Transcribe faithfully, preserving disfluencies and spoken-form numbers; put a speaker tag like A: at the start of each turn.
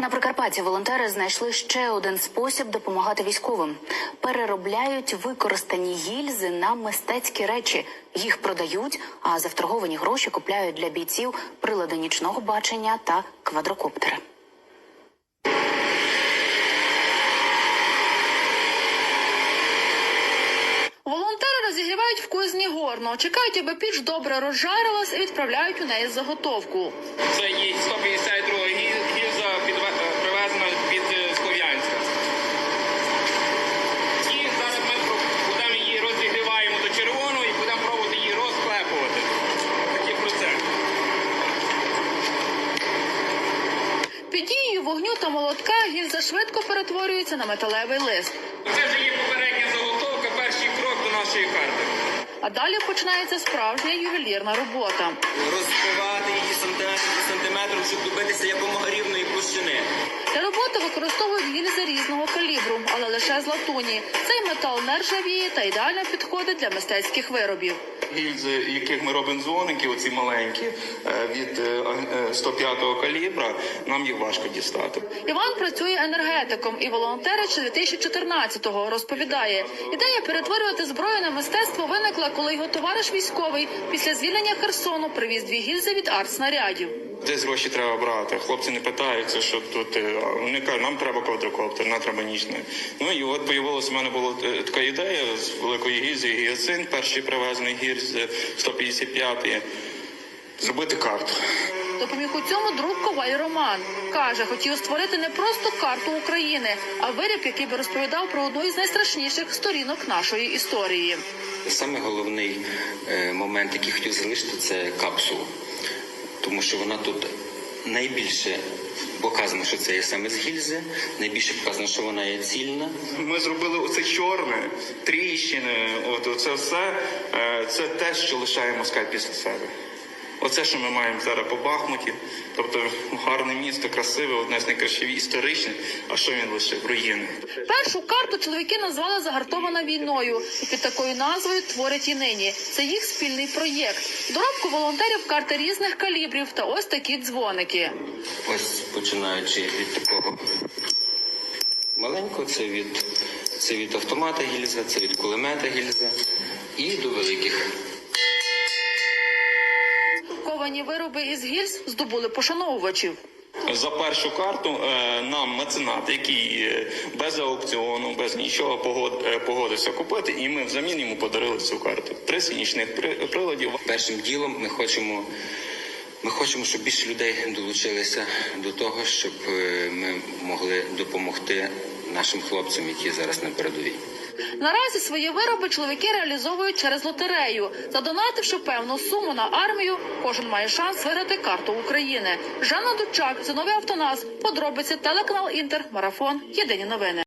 A: На Прикарпатті волонтери знайшли ще один спосіб допомагати військовим. Переробляють використані гільзи на мистецькі речі. Їх продають, а за вторговані гроші купляють для бійців прилади нічного бачення та квадрокоптери.
B: Волонтери розігрівають в кузні горно, чекають, аби піч добре розжарилась і відправляють у неї заготовку.
C: Це є сто п'ятдесят друга гільза, привезена від Слов'янська. І зараз ми будемо її розігріваємо до червоного і будемо пробувати її розклепувати. Такий процес.
B: Під дією вогню та молотка гільза швидко перетворюється на металевий лист.
C: Це вже є попередня заготовка, перший крок до нашої карти.
B: А далі починається справжня ювелірна робота.
D: Розбивати її сантиметр до сантиметру, щоб добитися якомога рівної площини.
B: Для роботи використовують гільзи різного калібру, але лише з латуні. Цей метал не ржавіє та ідеально підходить для мистецьких виробів.
C: Гільзи, яких ми робимо дзвоники, оці маленькі, від сто п'ятого калібра, нам їх важко дістати.
B: Іван працює енергетиком і волонтерить ще дві тисячі чотирнадцятого. Розповідає, ідея перетворювати зброю на мистецтво виникла, коли його товариш військовий після звільнення Херсону привіз дві гільзи від артснарядів.
C: Десь гроші треба брати. Хлопці не питаються, що тут. Вони кажуть, нам треба квадрокоптер, нам треба нічний. Ну і от появилася в мене була така ідея з великої гільзи гіацинт, перший привезений гільзи сто п'ятдесят п'ятий, зробити карту.
B: Допоміг у цьому друг Коваль Роман. Каже, хотів створити не просто карту України, а виріб, який би розповідав про одну із найстрашніших сторінок нашої історії.
D: Саме головний е, момент, який хотів залишити, це капсула. Тому що вона тут найбільше показано, що це є саме з гільзи, найбільше показано, що вона є цільна.
C: Ми зробили оце чорне, тріщини, от оце все, це те, що лишає москаль після себе. Оце, що ми маємо зараз по Бахмуті, тобто гарне місто, красиве, одне з найкращих історичних, а що він лишив? Руїни.
B: Першу карту чоловіки назвали «Загартована війною» і під такою назвою творять і нині. Це їх спільний проєкт. Доробку волонтерів карти різних калібрів та ось такі дзвоники.
D: Ось починаючи від такого маленького, це від, це від автомата гільза, це від кулемета гільза і до великих.
B: Ковані вироби із гільз здобули пошановувачів.
C: За першу карту нам меценат, який без аукціону, без нічого погодився купити, і ми взамін йому подарили цю карту. Три нічних приладів.
D: Першим ділом ми хочемо, ми хочемо, щоб більше людей долучилися до того, щоб ми могли допомогти нашим хлопцям, які зараз на передовій.
B: Наразі свої вироби чоловіки реалізовують через лотерею. Задонативши певну суму на армію, кожен має шанс виграти карту України. Жанна Дучак, Зиновій Автонас, подробиці, телеканал Інтер, Марафон, Єдині новини.